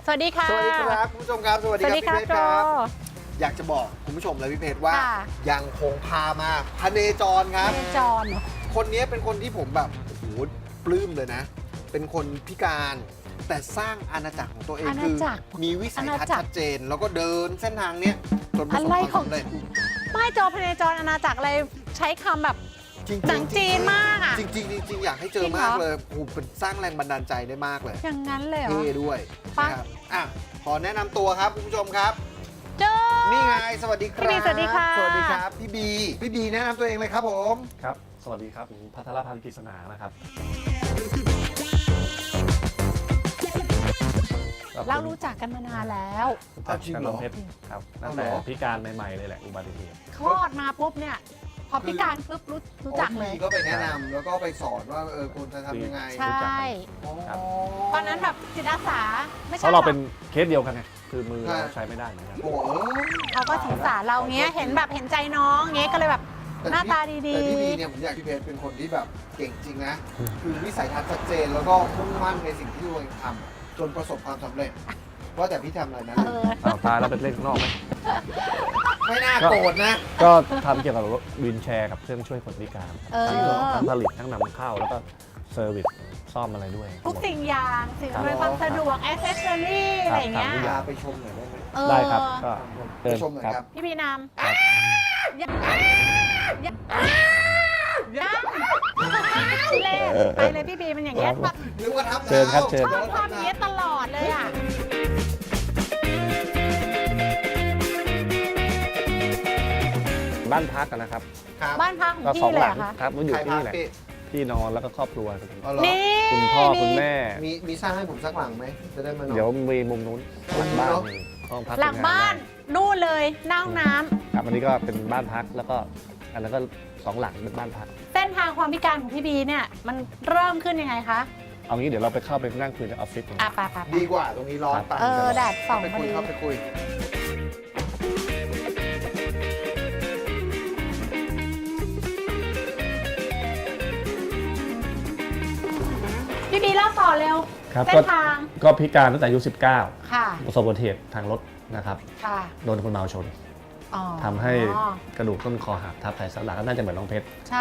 วัสดีค่ะสวัสดีครับคุณผู้ชมครับสวัสดีครับพี่เพชรครับอยากจะบอกคุณผู้ชมและพี่เพชรว่ายังคงพามาพเนจรครับพเนจรคนนี้เป็นคนที่ผมแบบโอ้โหปลื้มเลยนะเป็นคนพิการแต่สร้างอาณาจักรของตัวเองคือมีวิสัยทัศน์ชัดเจนแล้วก็เดินเส้นทางเนี้ยจนประสบความสำเร็จไม่จอพเนจรอาณาจักรอะไรใช้คำแบบหนังจีนมากอ่ะจริงอยากให้เจอมากเลยโอ้โหเป็นสร้างแรงบันดาลใจได้มากเลยอย่างนั้นเลยเหรอเท่ด้วยนะครับอ่ะขอแนะนำตัวครับคุณผู้ชมครับเจอนี่ไงสวัสดีครับพี่บีสวัสดีค่ะสวัสดีครับพี่บีแนะนำตัวเองเลยครับผมครับสวัสดีครับผมพัทรพันธ์กฤษณานะครับเรารู้จักกันมานานแล้วกับน้องเพชรครับตั้งแต่พิการใหม่ๆเลยแหละอุบัติเหตุคลอดมาปุ๊บเนี่ยพอพิการปุ๊บรู้จักเลยก็ไปแนะนำแล้วก็ไปสอนว่าควรจะทำยังไงใช่ตอนนั้นแบบจิตอาสาไม่ใช่เพราะเราเป็นเคสเดียวกันไงคือมือเราใช้ไม่ได้เหมือนกันเขาก็สงสารเราเงี้ยเห็นแบบเห็นใจน้องเงี้ยก็เลยแบบหน้าตาดีๆแต่พี่บีเนี่ยผมอยากพี่เพชรเป็นคนที่แบบเก่งจริงนะคือวิสัยทัศน์ชัดเจนแล้วก็มุ่งมั่นในสิ่งที่ตัวเองทำจนประสบความสำเร็จว่าแต่พี่ทำอะไรนะตายแล้วเป็นเล่นข้างนอกไหมไม่น่าโกรธนะก็ทำเกี่ยวกับวีลแชร์กับเครื่องช่วยคนพิการทั้งผลิตทั้งนำเข้าแล้วก็เซอร์วิสซ่อมอะไรด้วยทุกสิ่งอย่างสิ่งอำนวยความสะดวกแอสเซสซอรี่อะไรเงี้ยยาไปชมหน่อยได้ไหมได้ครับก็ไปชมหน่อยครับพี่พีนามไปเลยพี่บีมันอย่างเงี้ยนึกว่าทับเชิญครับเชิญชอบทำอย่างเงี้ยตลอดเลยอ่ะบ้านพักกันนะครับบ้านพักของพี่เลยเหรอคะครับมันอยู่ที่นี่แหละพี่นอนแล้วก็ครอบครัวนี่คุณพ่อคุณแม่มีสร้างให้ผมสักหลังไหมจะได้มานอนเดี๋ยวมีมุมนู้นหลังบ้านห้องพักหลังบ้านนู่นเลยหน้าห้องน้ำครับอันนี้ก็เป็นบ้านพักแล้วก็อันนั้นก็2 หลังเป็นบ้านพักเส้นทางความพิการของพี่บีเนี่ยมันเริ่มขึ้นยังไงคะเอางี้เดี๋ยวเราไปเข้าไปนั่งคุยในออฟฟิศดีกว่าตรงนี้ร้อนไปแดดส่องไปคุยครับไปคุยพี่บีเล่าต่อเร็วเส้นทางก็พิการตั้งแต่อายุ19 ค่ะประสบอุบัติเหตุทางรถนะครับโดนคนเมาชนทำให้กระดูกต้นคอหักทับไขสันหลังก็น่าจะเหมือนน้องเพชรใช่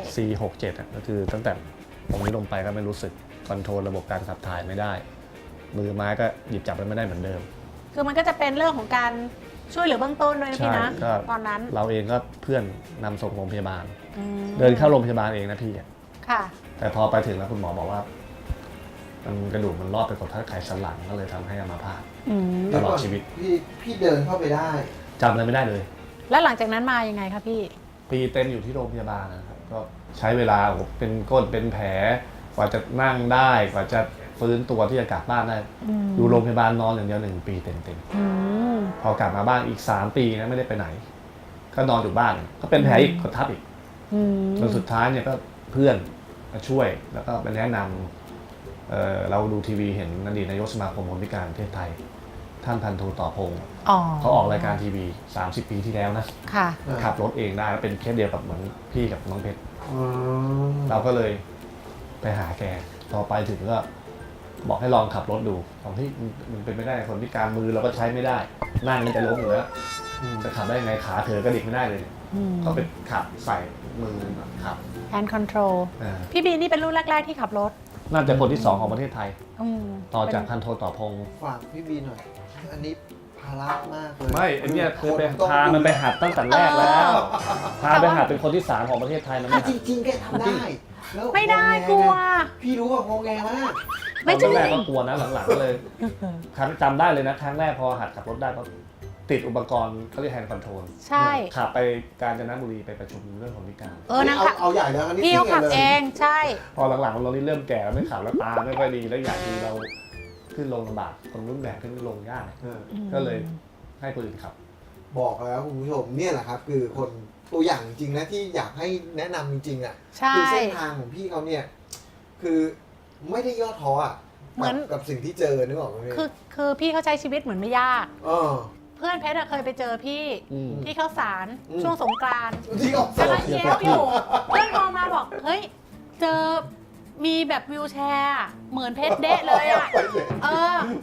C67ก็คือตั้งแต่ตรงนี้ลงไปก็ไม่รู้สึกคอนโทรลระบบการขับถ่ายไม่ได้มือไม้ก็หยิบจับไม่ได้เหมือนเดิมคือมันก็จะเป็นเรื่องของการช่วยเหลือเบื้องต้นด้วยนะพี่นะตอนนั้นเราเองก็เพื่อนนำส่งโรงพยาบาลเดินเข้าโรงพยาบาลเองนะพี่ค่ะแต่พอไปถึงแล้วคุณหมอบอกว่ามันกระดูกมันรอบไปกดทับไขสันหลังก็เลยทำให้อัมพาตตลอดชีวิตพี่เดินเข้าไปได้จำอะไรไม่ได้เลยแล้วหลังจากนั้นมายังไงคะพี่ปีเต็มอยู่ที่โรงพยาบาลนะครับก็ใช้เวลาเป็นก้นเป็นแผลกว่าจะนั่งได้กว่าจะฟื้นตัวที่จะกลับบ้านได้อยู่โรงพยาบาลนอนอย่างเดียว1 ปีเต็มๆพอกลับมาบ้านอีก3 ปีนะไม่ได้ไปไหนก็นอนอยู่บ้านก็เป็นแผลอีกกดทับอีกจนสุดท้ายเนี่ยก็เพื่อนมาช่วยแล้วก็ไปแนะนำเราดูทีวีเห็นอดีตนายกสมาคมคนพิการประเทศไทยท่านพันโทต่อพงศ์เขาออกรายการทีวี30 ปีที่แล้วนะขับรถเองได้แล้วเป็นเคสเดียวกับเหมือนพี่กับน้องเพชรเราก็เลยไปหาแกพอไปถึงก็บอกให้ลองขับรถดูของที่มันเป็นไม่ได้คนพิการมือเราก็ใช้ไม่ได้นั่งมันจะล้มอยู่แล้วจะขับได้ยังไงขาเธอก็ดิกไม่ได้เลยก็ไปขับใส่มือขับ hand control พี่บีนี่เป็นรุ่นแรกๆที่ขับรถน่าจะคนที่2ของประเทศไทยต่อจากพันโทต่อพงศ์ฝากพี่บีหน่อยอันนี้ภาระมากเลยไม่อันนี้คือไปพามันไปหัดตั้งแต่แรกแล้วพาไปหัดเป็นคนที่3ของประเทศไทยนะจริงๆแกทำได้ไม่ได้กลัวพี่รู้ว่างงแงมากไม่ใช่แรกก็กลัวนะหลังๆก็เลยครั้งจำได้เลยนะครั้งแรกพอหัดขับรถได้ก็ติดอุปกรณ์เขาเรียกแฮนด์คอนโทรลใช่ขับไปกาญจนบุรีไปประชุมเรื่องของพิการนั่งขับเอาใหญ่แล้วพี่เขาขับเองใช่พอหลังๆเรานี่เริ่มแก่แล้วไม่ขับแล้วตาไม่ค่อยดีแล้วอย่างที่เราขึ้นลงลำบากคนรุ่นแบกขึ้นลงยากก็เลยให้คนอื่นขับบอกแล้วคุณผู้ชมเนี่ยแหละครับคือคนตัวอย่างจริงนะที่อยากให้แนะนำจริงๆอ่ะคือเส้นทางของพี่เขาเนี่ยคือไม่ได้ย่อท้ออ่ะเหมือนกับสิ่งที่เจอนึกออกไหมคือพี่เขาใช้ชีวิตเหมือนไม่ยากเพื่อนเพชรเคยไปเจอพี่ที่เข้าสารช่วงสงกรานต์กำลังเที่ยวอยู่เพื่อนมองมาบอกเฮ้ยเจอมีแบบวิวแชร์เหมือนเพชรเดะเลยอ่ะเหมือนเอง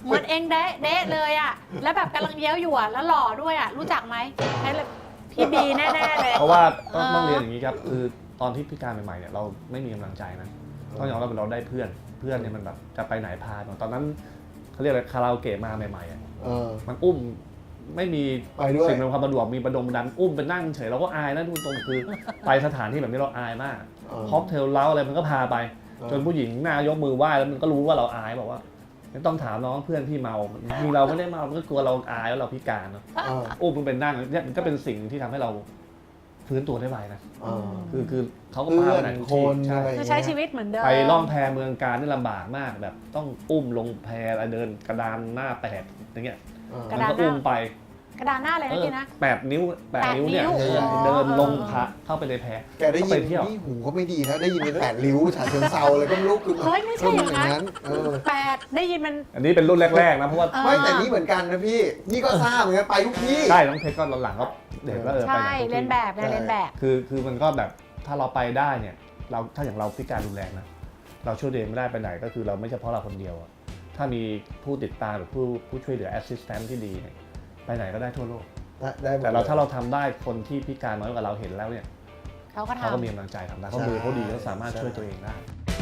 เดะเลยอ่ะแล้วแบบกำลังเย้ยวอยู่อ่ะแล้วหล่อด้วยอ่ะรู้จักไหมใช่เลยพี่บีแน่ๆเลยเพราะว่าต้องเรียนอย่างนี้ครับคือตอนที่พิการใหม่ๆเนี่ยเราไม่มีกำลังใจนะต้องยอมรับว่าเราได้เพื่อนเนี่ยมันแบบจะไปไหนพาตอนนั้นเขาเรียกอะไรคาราโอเกะมาใหม่ๆอ่ะมันอุ้มไม่มีสิ่งในความสะดวกมีประดมดันอุ้มไปนั่งเฉยเราก็อายนะทุกตรงคือไปสถานที่แบบนี้เราอายมากค็อกเทลเล้าอะไรมันก็พาไปจนผู้หญิงหน้ายกมือไหว้แล้วมันก็รู้ว่าเราอายบอกว่าไม่ต้องถามน้องเพื่อนพี่เมามีเราไม่ได้เมามันก็กลัวเราอายแล้วเราพิการเนาะอุ้มมันเป็นนั่งเนี่ยมันก็เป็นสิ่งที่ทำให้เราฟื้นตัวได้ไวนะคือเขาก็พาไปไหนคนคือใช้ชีวิตเหมือนเดิมไปล่องแพเมืองการนี่ลำบากมากแบบต้องอุ้มลงแพอะไรเดินกระดานหน้า8อย่างเงี้ยมันก็อุ้มไปกระดานหน้าอะไรนะพี่นะ 8 นิ้วเนี่ยเดินลงพระเข้าไปในแพแกได้ยินนี่หูก็ไม่ดีนะได้ยินเป็น8 ริ้วฉะเชิงเซาเลยก็ไม่รู้คือเฮ้ยไม่ใช่อย่างนั้น8ได้ยินมันอันนี้เป็นรุ่นแรกๆนะเพราะว่าไม่แต่นี่เหมือนกันนะพี่นี่ก็ทราบเหมือนกันไปทุกที่ใช่น้องเพชรก็หลังๆก็เด็กก็ใช่เรียนแบบคือมันก็แบบถ้าเราไปได้เนี่ยเราถ้าอย่างเราพิการรุนแรงนะเราช่วยเด็กไม่ได้ไปไหนก็คือเราไม่เฉพาะเราคนเดียวถ้ามีผู้ติดตามหรือผู้ช่วยเหลือแอสซิสแตนต์ที่ดีเนี่ยไปไหนก็ได้ทั่วโลกแต่ถ้าเราทำได้คนที่พิการน้อยกว่าเราเห็นแล้วเนี่ยเขาก็มีกำลังใจทำได้เขามือเขาดีเขาสามารถช่วยตัวเองได้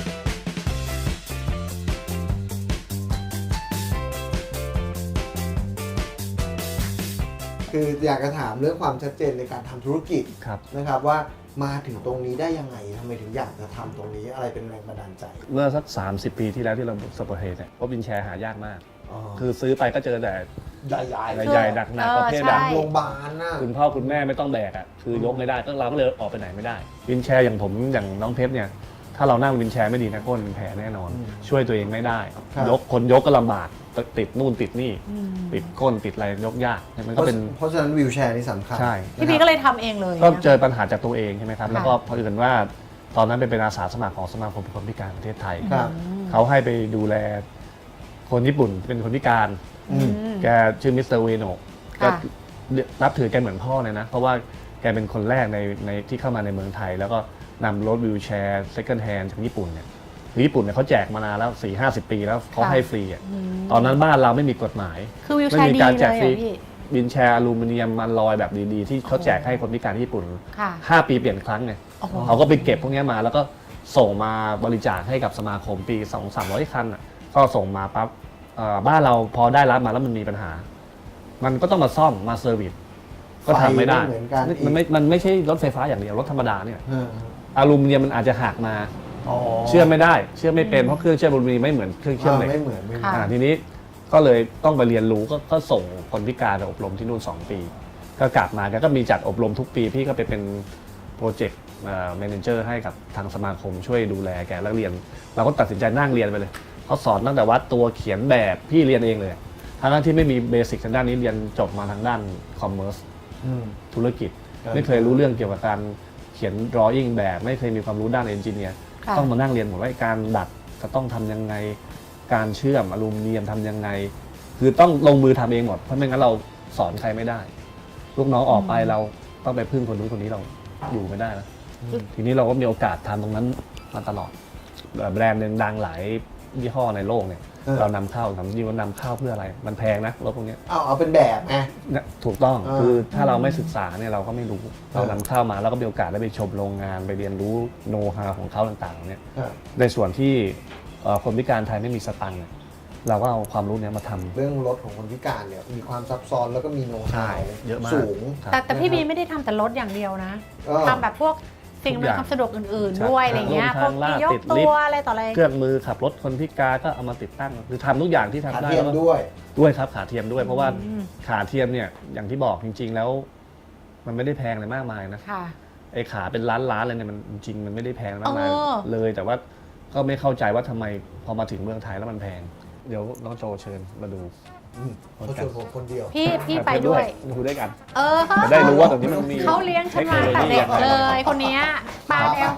คืออยากจะถามเรื่องความชัดเจนในการทำธุรกิจนะครับว่ามาถึงตรงนี้ได้ยังไงทำไมถึงอยากจะทำตรงนี้อะไรเป็นแรงบันดาลใจเมื่อสัก30 ปีที่แล้วที่เราสปอร์ตเฮดเนี่ยเพราะวินแชร์หายากมากคือซื้อไปก็เจอแต่ใหญ่หนักประเภทแบบโรงพยาบาลน่ะคุณพ่อคุณแม่ไม่ต้องแบกอ่ะคือยกไม่ได้ก็เราก็เลยออกไปไหนไม่ได้วินแชร์อย่างผมอย่างน้องเพชรเนี่ยถ้าเรานั่งวินแชร์ไม่ดีนะก้นเป็นแผลแน่นอนช่วยตัวเองไม่ได้คนยกก็ลำบากติดนู่นติดนี่ติดก้นติดอะไรยกยากมันก็เป็นเพราะฉะนั้นวิวแชร์นี่สำคัญใช่พี่พีก็เลยทำเองเลยก็เจอปัญหาจากตัวเองใช่ไหมครับแล้วก็พอเอิญว่าตอนนั้นเป็นอาสาสมัครของสมาคมคนพิการประเทศไทยเขาให้ไปดูแลคนญี่ปุ่นเป็นคนพิการแกชื่อมิสเตอร์เวโนะก็นับถือแกเหมือนพ่อเลยนะเพราะว่าแกเป็นคนแรกในที่เข้ามาในเมืองไทยแล้วก็นำรถวิวแชร์เซ็คันด์แฮนด์จากญี่ปุ่นเนี่ยคือญี่ปุ่นเนี่ยเขาแจกมานานแล้ว 4-50 ปีแล้วเขาให้ฟรีอ่ะตอนนั้นบ้านเราไม่มีกฎหมายไม่มีการแจกฟรีวินแชร์อลูมิเนียมมันลอยแบบดีๆที่เขาแจกให้คนพิการที่ญี่ปุ่น5 ปีเปลี่ยนครั้งไงเขาก็ไปเก็บพวกนี้มาแล้วก็ส่งมาบริจาคให้กับสมาคมปี 200-300 คันก็ส่งมาปั๊บบ้านเราพอได้รับมาแล้วมันมีปัญหามันก็ต้องมาซ่อมมาเซอร์วิสก็ทำไม่ได้มันไม่ใช่รถไฟฟ้าอย่างเดียวรถธรรมดาเนี่ยอลูมิเนียมมันอาจจะหักมาเชื่อมไม่ได้เชื่อมไม่เป็นเพราะเครื่องเชื่อมอลูมิเนียมไม่เหมือนเครื่องเชื่อมเหล็กทีนี้ก็เลยต้องไปเรียนรู้ก็ส่งคนพิการไปอบรมที่นู่น2 ปีก็กลับมาก็มีจัดอบรมทุกปีพี่ก็ไปเป็นโปรเจกต์แมเนเจอร์ให้กับทางสมาคมช่วยดูแลแกแล้วเรียนเราก็ตัดสินใจนั่งเรียนไปเลยเขาสอนตั้งแต่วัดตัวเขียนแบบพี่เรียนเองเลยทั้งที่ไม่มีเบสิกทางด้านนี้เรียนจบมาทางด้านคอมเมอร์สธุรกิจไม่เคยรู้เรื่องเกี่ยวกับการเขียน drawing แบบไม่เคยมีความรู้ด้านเอนจิเนียร์ต้องมานั่งเรียนหมดว่าการดัดจะต้องทำยังไงการเชื่อมอลูมิเนียมทำยังไงคือต้องลงมือทำเองหมดเพราะไม่งั้นเราสอนใครไม่ได้ลูกน้องออกไปเราต้องไปพึ่งคนนู้นคนนี้เราอยู่ไม่ได้นะทีนี้เราก็มีโอกาสทำตรงนั้นมาตลอดแบรนด์หนึ่งดังหลายยี่ห้อในโลกเนี่ยเรานำเข้าทำจริงว่านำเข้าเพื่ออะไรมันแพงนะรถพวกนี้เอาเป็นแบบไงถูกต้องคือถ้าเราไม่ศึกษาเนี่ยเราก็ไม่รู้เรานำเข้ามาแล้วก็มีโอกาสได้ไปชมโรงงานไปเรียนรู้โน้ตฮาวของเขาต่างๆเนี่ยในส่วนที่คนพิการไทยไม่มีสตังค์เราก็เอาความรู้นี้มาทำเรื่องรถของคนพิการเนี่ยมีความซับซ้อนแล้วก็มีโน้ตฮาวเยอะมากสูงแต่พี่บีไม่ได้ทำแต่รถอย่างเดียวนะทำแบบพวกสิ่งอำนวยความสะดวกอื่นๆด้วยอะไรเงี้ยพวกยกตัวอะไรต่ออะไรเครื่องมือขับรถคนพิการก็เอามาติดตั้งคือทำทุกอย่างที่ทำได้ขาเทียมด้วยครับขาเทียมด้วยเพราะว่าขาเทียมเนี่ยอย่างที่บอกจริงๆแล้วมันไม่ได้แพงอะไรมากมายนะไอ้ขาเป็นล้านอะไรเนี่ยมันจริงมันไม่ได้แพงมากมายเลยแต่ว่าก็ไม่เข้าใจว่าทำไมพอมาถึงเมืองไทยแล้วมันแพงเดี๋ยวน้องโจเชิญมาดูเขาชวนผมคนเดียวพี่ไปด้วยดูด้วยกันจะได้รู้ว่าตรงนี้มันมีเขาเลี้ยงฉันมาแต่เด็กเลยคนนี้ปลาแล้ว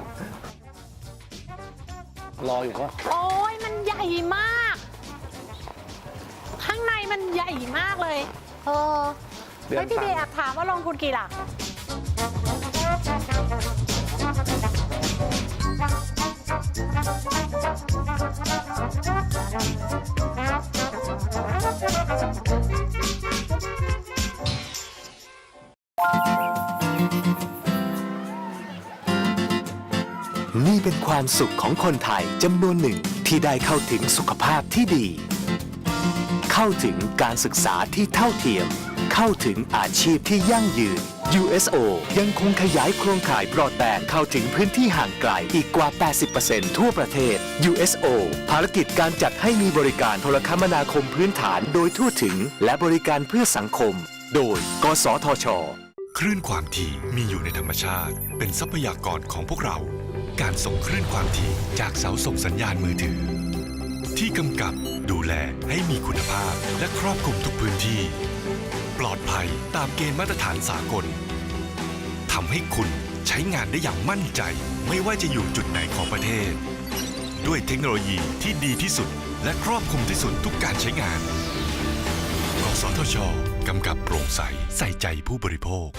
รออยู่ว่าโอ้ยมันใหญ่มากข้างในมันใหญ่มากเลยแล้วพี่เบย์ถามว่าลงทุนกี่หลักเป็นความสุขของคนไทยจำนวนหนึ่งที่ได้เข้าถึงสุขภาพที่ดี เข้าถึงการศึกษาที่เท่าเทียม เข้าถึงอาชีพที่ยั่งยืน USO ยังคงขยายโครงข่ายบรอดแบนด์เข้าถึงพื้นที่ห่างไกลอีกกว่า 80% ทั่วประเทศ USO ภารกิจการจัดให้มีบริการโทรคมนาคมพื้นฐานโดยทั่วถึงและบริการเพื่อสังคม โดย กสทช. คลื่นความถี่มีอยู่ในธรรมชาติเป็นทรัพยากรของพวกเรา การส่งคลื่นความถี่จากเสาส่งสัญญาณมือถือ ที่กำกับดูแลให้มีคุณภาพและครอบคลุมทุกพื้นที่ ปลอดภัยตามเกณฑ์มาตรฐานสากลทำให้คุณใช้งานได้อย่างมั่นใจไม่ว่าจะอยู่จุดไหนของประเทศ ด้วยเทคโนโลยีที่ดีที่สุดและครอบคลุมที่สุดทุกการใช้งานกสทช.กำกับโปร่งใสใส่ใจผู้บริโภค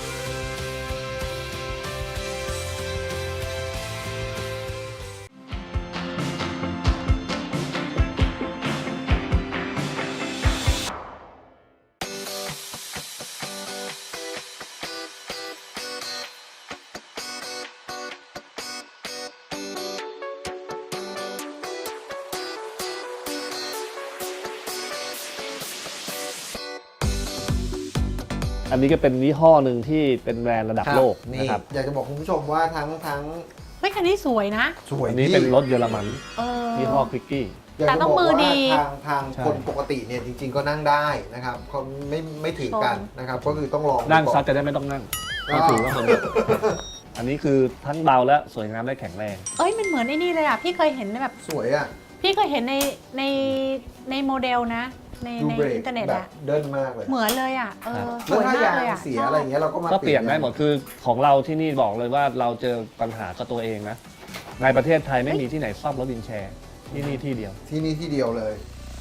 อันนี้ก็เป็นยี่ห้อหนึ่งที่เป็นแบรนด์ระดับโลกนี่นะครับอยากจะบอกคุณผู้ชมว่าทั้งเฮ้ยคันนี้สวยนะสวยอันนี้เป็นรถเยอรมันเออยี่ห้อควิกกี้อยากแต่จะต้บองอกมือว่าดีทางใช่คนปกติเนี่ยจริง ๆ ก็นั่งได้นะครับเขาไม่ถือกันนะครับ ก็คือต้องลองนั่งซัดก่อจะได้ไม่ต้องนั่งก็ถือว่ามันอันนี้คือทั้งเบาและสวยงามและแข็งแรงเอ้ยมันเหมือนไอ้นี่เลยอ่ะพี่เคยเห็นแบบสวยอ่ะพี่เคยเห็นในโมเดลนะ ในดูเบรกอินเทอร์เน็ตแบบอะเดินมากเลยเหมือนเลยอ่ะสแล้ววยถ้ามากยางเลยอ่ะเสียอะไรอย่างเงี้ยเราก็มาก็เปลี่ยนได้หมดคือของเราที่นี่บอกเลยว่าเราเจอปัญหากับตัวเองนะในประเทศไทยไม่มีที่ไหนซ่อมรถวินแชร์ที่นี่ที่เดียวที่นี่ที่เดียวเลย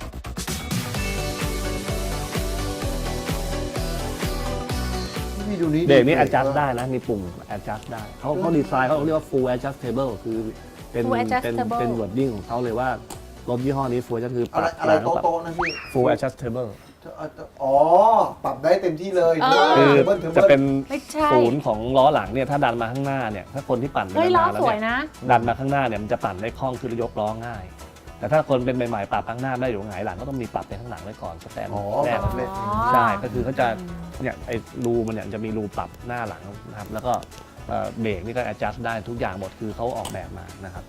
นี่ดูนี่เบรกนี่ adjust ได้นะมีปุ่ม adjust ได้เขาดีไซน์เขาเรียกว่า full adjustable คือเป็น Full adjustable เป็น wording ของเขาเลยว่ารถยี่ห้อนี้ full adjust คือปอะไรรับอะไรโต๊ะๆนะพี่ full adjustable อ๋อ ปรับได้เต็มที่เลยคือบิ้ลจะเป็นไม่ใช่ศูนย์ของล้อหลังเนี่ยถ้าดันมาข้างหน้าเนี่ยถ้าคนที่ปั่นไปเฮ้ยล้อนานๆแล้วสวยเนี่ยนะดันมาข้างหน้าเนี่ยมันจะปั่นได้คล่องคือยกล้อง่าย แต่ถ้าคนเป็นใหม่ๆปรับข้างหน้าได้อยู่หงายหลังก็ต้องมีปรับไปข้างหลังไว้ก่อนสแตนอ๋อแนแบบ บเล็กใช่ก็คือเขาจะเนี่ยไอ้รูมันเนี่ยจะมีรูปรับหน้าหลังนะครับแล้วก็เบรกนี่ก็ adjust ได้ทุกอย่างหมดคือเขาออกแบบมานะครับ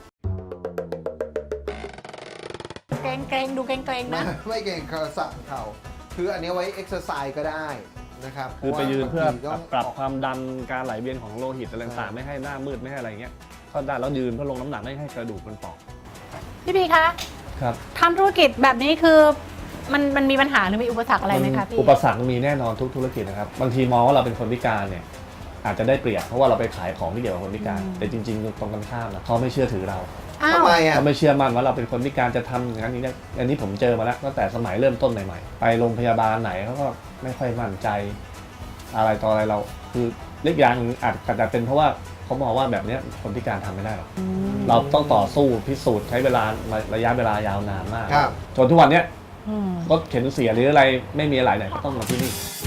เกรงดูเกรงนะไม่เก่งเขาสั่งเขาคืออันนี้ไว้เอ็กซ์ไซส์ก็ได้นะครับคือไปยืนเพื่อพราะว่าบางทีต้องปรับความดันการไหลเวียนของโลหิตอะไรต่างๆไม่ให้หน้ามืดไม่ให้อะไรเงี้ยก็ได้แล้วยืนเพื่อลงน้ำหนักไม่ให้กระดูกมันเปอกพี่พีคะครับทำธุรกิจแบบนี้คือมันมีปัญหาหรือมีอุปสรรคอะไรไหมคะพี่อุปสรรคมีแน่นอนทุกธุรกิจนะครับบางทีมองว่าเราเป็นคนพิการเนี่ยอาจจะได้เปรียบเพราะว่าเราไปขายของที่เกี่ยวกับคนพิการ แต่จริงๆตรงกันข้ามนะเขาไม่เชื่อถือเราอ้าวทำไมอ่ะเขาไม่เชื่อมั่นว่าเราเป็นคนพิการจะทำอย่างนั้นอย่างนี้อันนี้ผมเจอมาแล้วตั้งแต่สมัยเริ่มต้นใหม่ๆไปโรงพยาบาลไหนเขาก็ไม่ค่อยมั่นใจอะไรต่ออะไรเราคือเล็กอย่างอาจจะเป็นเพราะว่าเขามองว่าแบบนี้คนพิการทำไม่ได้หรอกเราต้องต่อสู้พิสูจน์ใช้เวลาระยะเวลายาวนานมากครับจนทุกวันเนี้ยอืมรถเข็นเสียหรืออะไรไม่มีอะไรไหนก็ต้องมาที่นี่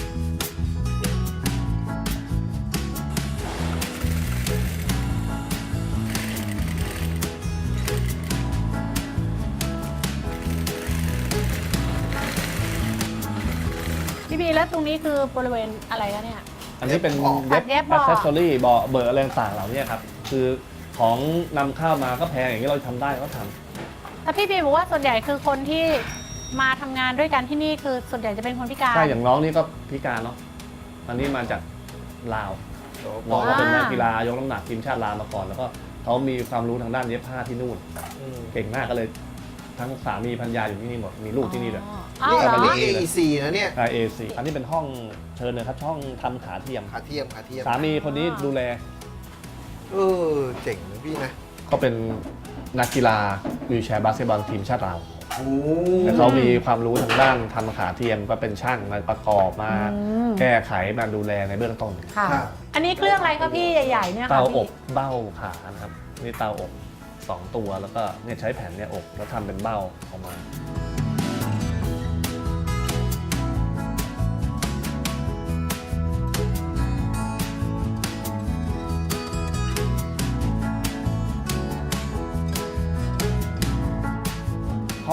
พี่พีแล้วตรงนี้คือบริเวณอะไรคะเนี่ยอันนี้เป็นตัดเย็บเบาะแอคเซสซอรี่เบาะเบอร์อะไรต่างๆเหล่านี้ครับคือของนำเข้ามาก็แพงอย่างนี้เราทำได้ก็ทำแต่พี่พีบอกว่าส่วนใหญ่คือคนที่มาทำงานด้วยกันที่นี่คือส่วนใหญ่จะเป็นคนพิการใช่อย่างน้องนี่ก็พิการเนาะอันนี้มาจากลาวน้องก็เป็นนักกีฬายกน้ำหนักทีมชาติลาวมาก่อน แล้วก็เขามีความรู้ทางด้านเย็บผ้าที่นู่น เก่งมากก็เลยทั้งสามีภรรยาอยู่ที่นี่หมดมีลูกที่นี่เลยอ๋อนี่เหรอันอนี้ AEC นะเนี่ย AAC อันนี้เป็นห้องเชิญเลยครับช่องทำขาเทียมขาเทียมสามีคนนี้ดูแลเจ๋งนะพี่นะก็เป็นนักกีฬาวีลแชร์บาสเกตบอลทีมชาติลาวโอ้แต่เขามีความรู้ทางด้านทำขาเทียมก็เป็นช่างมาประกอบมา แก้ไขมาดูแลในเบื้องต้นค่ะครับอันนี้เครื่องอะไรคะพี่ใหญ่ๆเนี่ยค่ะเตาอพี่บเบ้าขานะครับนี่เตาอบ2 ตัวแล้วก็เนี่ยใช้แผ่นเนี่ยอบแล้วทำเป็นเบ้าออกมา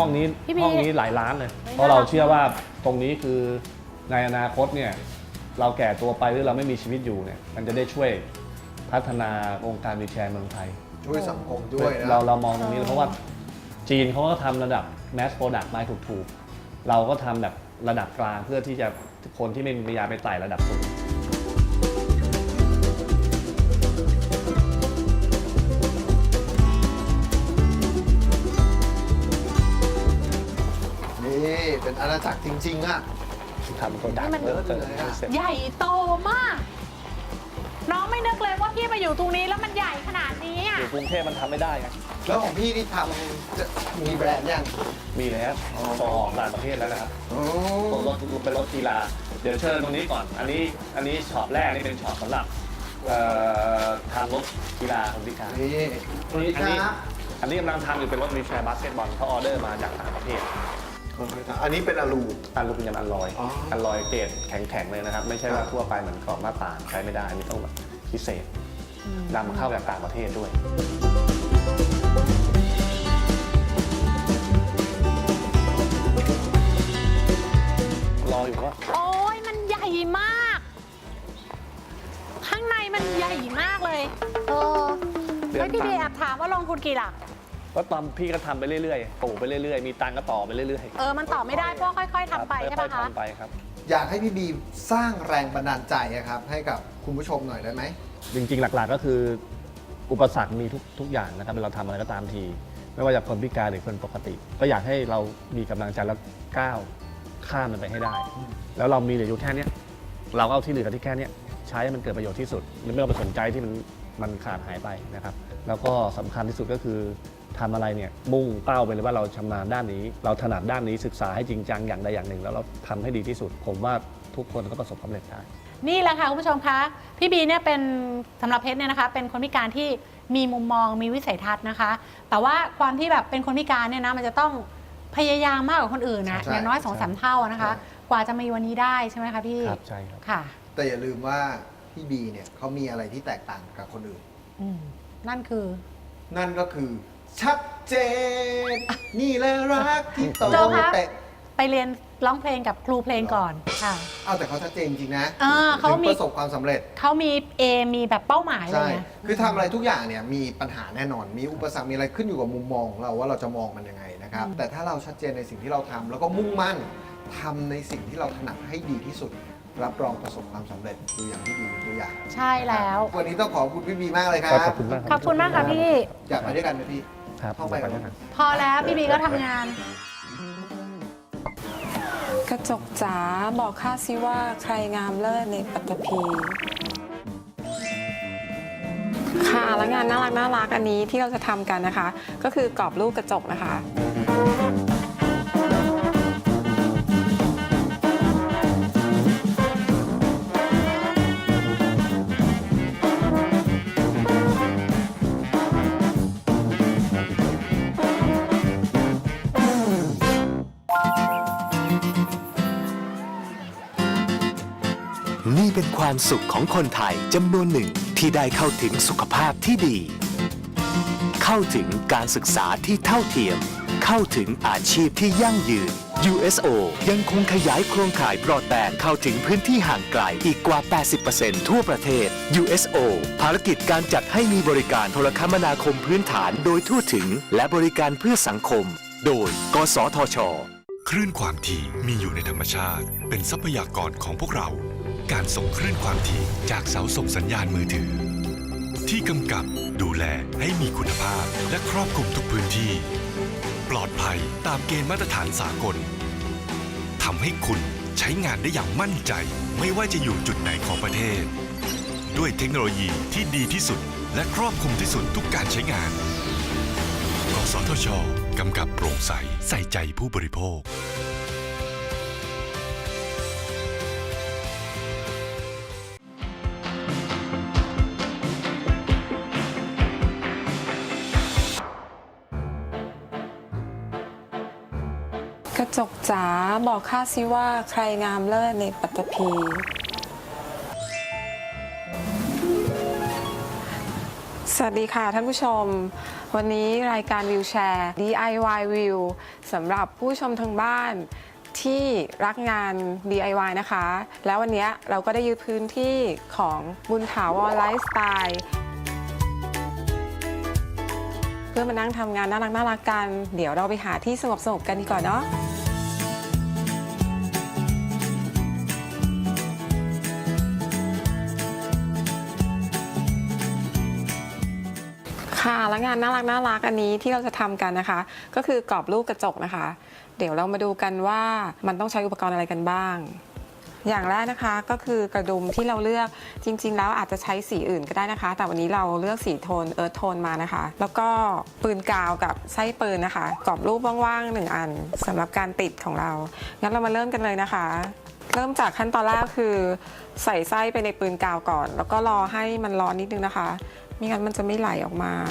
ห้องนี้พี่บีห้องนี้หลายล้านเลยไม่เพราะเราน่ารักเชื่อว่าตรงนี้คือในอนาคตเนี่ยเราแก่ตัวไปหรือเราไม่มีชีวิตอยู่เนี่ยมันจะได้ช่วยพัฒนาวงการวีลแชร์เมืองไทยช่วยสังคมด้วยนะเรามองตรงนี้เลยเพราะว่าจีนเขาก็ทำระดับ mass product ไม้ถูกๆเราก็ทำแบบระดับกลางเพื่อที่จะคนที่ไม่มีปัญญาไปไต่ระดับสูงนี่เป็นอาณาจักรจริงๆอ่ะทำโปรดักต์นี่มันแล้วก็จะเลยอะเสร็จใหญ่โตมาก น้องไม่นึกเลยว่าพี่มาอยู่ตรงนี้แล้วมันใหญ่ขนาดนี้อ่ะอยู่กรุงเทพมันทำไม่ได้ไงแล้วของพี่ที่ทำจะมีแบรนด์ยังมีแล้วส่งออกต่างประเทศแล้วนะครับโอ้ส่งรถเป็นรถกีฬาเดี๋ยวเชิญตรงนี้ก่อนอันนี้ช็อปแรกนี่เป็นช็อปสำหรับทำรถกีฬาคนพิการนี่สวัสดีครับอันนี้กำลังทำอยู่เป็นรถวีลแชร์บาสเกตบอลเขาออเดอร์มาจากต่างประเทศอันนี้เป็นอลูอันลูกเป็นยำอันลอยอ๋ออัอันลอยเกรดแข็งๆเลยนะครับ ไม่ใช่ว่าทั่วไปเหมือนกรอบหน้าต่างใช้ไม่ได้ อันนี้ต้องแบบพิเศษนำเข้าจากต่างประเทศด้วย รออยู่ว่าโอ้ยมันใหญ่มาก ข้างในมันใหญ่มากเลยเออแล้วพี่เบย์แอบถามว่าลงทุนกี่หลักก็ตอนพี่ก็ทำไปเรื่อยๆปลูกไปเรื่อยๆ มีตังค์ก็ต่อไปเรื่อยๆมันตอบไม่ได้เพราะค่อย ๆทำไปใช่ค่ปะอยๆคะทำไปครับอยากให้พี่บีสร้างแรงบันดาลใจอะครับ ให้กับคุณผู้ชมหน่อยได้ไหมจริงๆ หลักๆ ก็คืออุปสรรคมีทุกอย่างนะครับเราทำอะไรก็ตามที ไม่ว่าจะคนพิการหรือคนปกติ ก็อยากให้เรามีกำลังใจแล้วก้าวข้ามมันไปให้ได้ แล้วเรามีเหลืออยู่แค่เนี้ยเราก็เอาที่เหลือที่แค่เนี้ยใช้ให้มันเกิดประโยชน์ที่สุดไม่ต้องไปสนใจที่มันขาดหายไปนะครับแล้วก็สำคัญที่สุดก็คือทำอะไรเนี่ยมุ่งเป้าไปเลยว่าเราชำนาญด้านนี้ เราถนัดด้านนี้ศึกษาให้จริงจังอย่างใดอย่างหนึ่ง แล้วเราทำให้ดีที่สุด ผมว่าทุกคนก็ประสบความสำเร็จได้นี่แหละค่ะคุณผู้ชมคะพี่บีเนี่ยเป็นสำหรับเพชรเนี่ยนะคะเป็นคนพิการที่มีมุมมองมีวิสัยทัศน์นะคะ แต่ว่าความที่แบบเป็นคนพิการเนี่ยนะมันจะต้องพยายามมากกว่าคนอื่นนะใช่อย่างน้อยใช่ 2-3 เท่านะคะ กว่าจะมีวันนี้ได้ใช่ไหมคะพี่ครับใช่ครับค่ะแต่อย่าลืมว่าพี่บีเนี่ยเขามีอะไรที่แตกต่างกับคนอื่นอืมนั่นคือนั่นก็คือ ชัดเจน นี่แหละรักที่โตโจคะแต่ไปเรียนร้องเพลงกับครูเพลงก่อนค่ะเอาแต่เขาชัดเจนจริงๆนะเขาถึงมีประสบความสำเร็จเขามีมีแบบเป้าหมายเลใช่ยนะคือทำอะไรทุกอย่างเนี่ยมีปัญหาแน่นอน มีอุปสรรค มีอะไรขึ้นอยู่กับมุมมองของเราว่าเราจะมองมันยังไงนะครับ แต่ถ้าเราชัดเจนในสิ่งที่เราทำแล้วก็มุ่งมั่นทำในสิ่งที่เราถนัดให้ดีที่สุด รับรองประสบความสำเร็จดูอย่างที่ดีเป็นตัวอย่างใช่แล้ววันนี้ต้องขอบคุณพี่บีมากเลยครับขอบคุณมากขอบคุณมากค่ะพี่อยากไปด้วยกันไหมพี่ครับเข้าไปกันด้วยกันพอแล้วพี่บีก็ทำงานกระจกจ๋าบอกข้าสิว่าใครงามเลิศในปัตตภีค่ะแล้วงานน่ารักอันนี้ที่เราจะทำกันนะคะ ก็คือกรอบรูปกระจกนะคะนี่เป็นความสุขของคนไทยจำนวนหนึ่งที่ได้เข้าถึงสุขภาพที่ดี เข้าถึงการศึกษาที่เท่าเทียม เข้าถึงอาชีพที่ยั่งยืน USO ยังคงขยายโครงข่ายบรอดแบนด์เข้าถึงพื้นที่ห่างไกลอีกกว่า 80% ทั่วประเทศ USO ภารกิจการจัดให้มีบริการโทรคมนาคมพื้นฐานโดยทั่วถึง และบริการเพื่อสังคม โดย กสทชคลื่นความถี่มีอยู่ในธรรมชาติ เป็นทรัพยากรของพวกเรา การส่งคลื่นความถี่จากเสาส่งสัญญาณมือถือ ที่กำกับดูแลให้มีคุณภาพและครอบคลุมทุกพื้นที่ ปลอดภัยตามเกณฑ์มาตรฐานสากลทำให้คุณใช้งานได้อย่างมั่นใจ ไม่ว่าจะอยู่จุดไหนของประเทศ ด้วยเทคโนโลยีที่ดีที่สุด และครอบคลุมที่สุดทุกการใช้งาน กสทช กำกับโปร่งใสใส่ใจผู้บริโภคกระจกจ๋าบอกข้าสิว่าใครงามเลิศในปัตตภีสวัสดีค่ะท่านผู้ชม วันนี้รายการวิวแชร์ DIY View สำหรับผู้ชมทางบ้านที่รักงาน DIY นะคะ แล้ววันนี้เราก็ได้ยึดพื้นที่ของบุญถาวรไลฟ์สไตล์เพื่อมานั่งทำงานน่ารักกันเดี๋ยวเราไปหาที่สงบกันดีกว่าเนาะค่ะและงานน่ารักอันนี้ที่เราจะทำกันนะคะก็คือกรอบรูปกระจกนะคะเดี๋ยวเรามาดูกันว่ามันต้องใช้อุปกรณ์อะไรกันบ้างอย่างแรกนะคะก็คือกระดุมที่เราเลือกจริงๆแล้วอาจจะใช้สีอื่นก็ได้นะคะแต่วันนี้เราเลือกสีโทนเอิร์ธโทนมานะคะแล้วก็ปืนกาวกับไส้ปืนนะคะกรอบรูปว่างๆ1อันสำหรับการติดของเรางั้นเรามาเริ่มกันเลยนะคะเริ่มจากขั้นตอนแรกคือใส่ไส้ไปในปืนกาวก่อนแล้วก็รอให้มันร้อนนิดนึงนะคะไม่งั้นมันจะไม่ไหลออกมา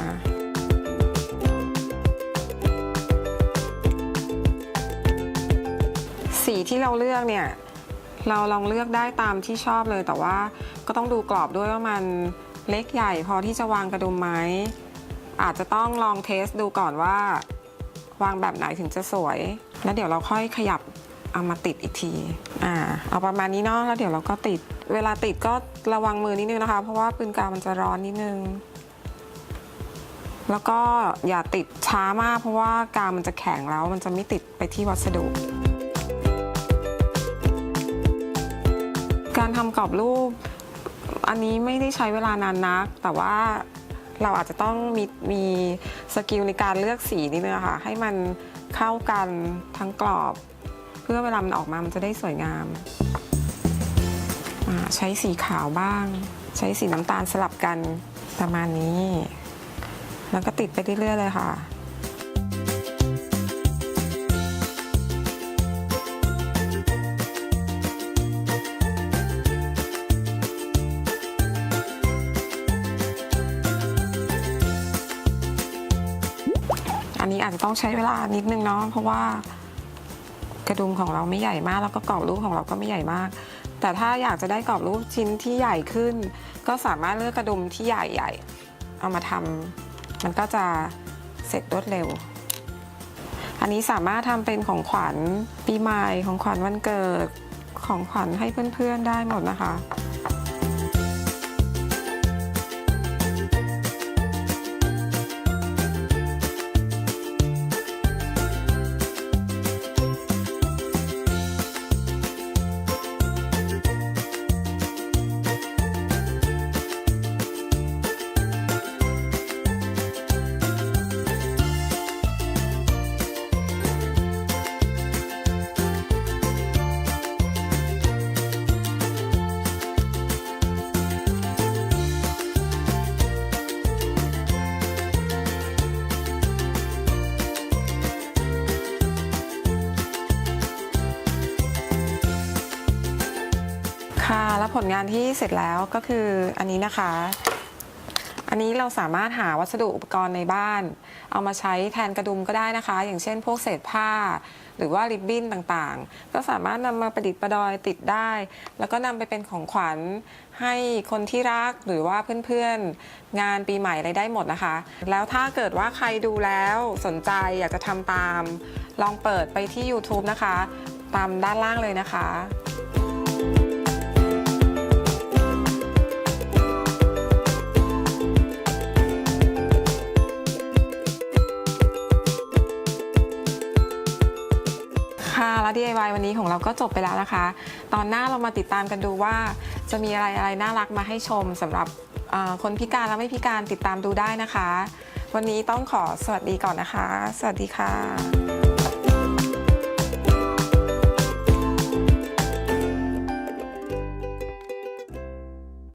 สีที่เราเลือกเนี่ยเราลองเลือกได้ตามที่ชอบเลยแต่ว่าก็ต้องดูกรอบด้วยว่ามันเล็กใหญ่พอที่จะวางกระดุมไหมอาจจะต้องลองเทสดูก่อนว่าวางแบบไหนถึงจะสวยแล้วเดี๋ยวเราค่อยขยับเอามาติดอีกทีเอาประมาณนี้เนาะแล้วเดี๋ยวเราก็ติดเวลาติดก็ระวังมือนิดนึงนะคะเพราะว่าปืนกาวมันจะร้อนนิดนึงแล้วก็อย่าติดช้ามากเพราะว่ากาวมันจะแข็งแล้วมันจะไม่ติดไปที่วัสดุการทำกรอบรูปอันนี้ไม่ได้ใช้เวลานานนักแต่ว่าเราอาจจะต้องมีสกิลในการเลือกสีนิดนึงค่ะให้มันเข้ากันทั้งกรอบเพื่อเวลามันออกมามันจะได้สวยงามใช้สีขาวบ้างใช้สีน้ำตาลสลับกันประมาณนี้แล้วก็ติดไปเรื่อยๆเลยค่ะอันนี้อาจจะต้องใช้เวลานิดนึงเนาะเพราะว่ากระดุมของเราไม่ใหญ่มากแล้วก็กรอบรูปของเราก็ไม่ใหญ่มากแต่ถ้าอยากจะได้กรอบรูปชิ้นที่ใหญ่ขึ้นก็สามารถเลือกกระดุมที่ใหญ่ๆเอามาทำมันก็จะเสร็จรวดเร็วอันนี้สามารถทำเป็นของขวัญปีใหม่ของขวัญวันเกิดของขวัญให้เพื่อนๆได้หมดนะคะแล้วผลงานที่เสร็จแล้วก็คืออันนี้นะคะอันนี้เราสามารถหาวัสดุอุปกรณ์ในบ้านเอามาใช้แทนกระดุมก็ได้นะคะอย่างเช่นพวกเศษผ้าหรือว่าริบบิ้นต่างๆก็สามารถนำมาประดิษฐ์ประดอยติดได้แล้วก็นำไปเป็นของขวัญให้คนที่รักหรือว่าเพื่อนๆงานปีใหม่อะไรได้หมดนะคะแล้วถ้าเกิดว่าใครดูแล้วสนใจอยากจะทำตามลองเปิดไปที่ YouTube นะคะตามด้านล่างเลยนะคะและ DIY วันนี้ของเราก็จบไปแล้วนะคะตอนหน้าเรามาติดตามกันดูว่าจะมีอะไรน่ารักมาให้ชมสำหรับคนพิการและไม่พิการติดตามดูได้นะคะวันนี้ต้องขอสวัสดีก่อนนะคะสวัสดีค่ะ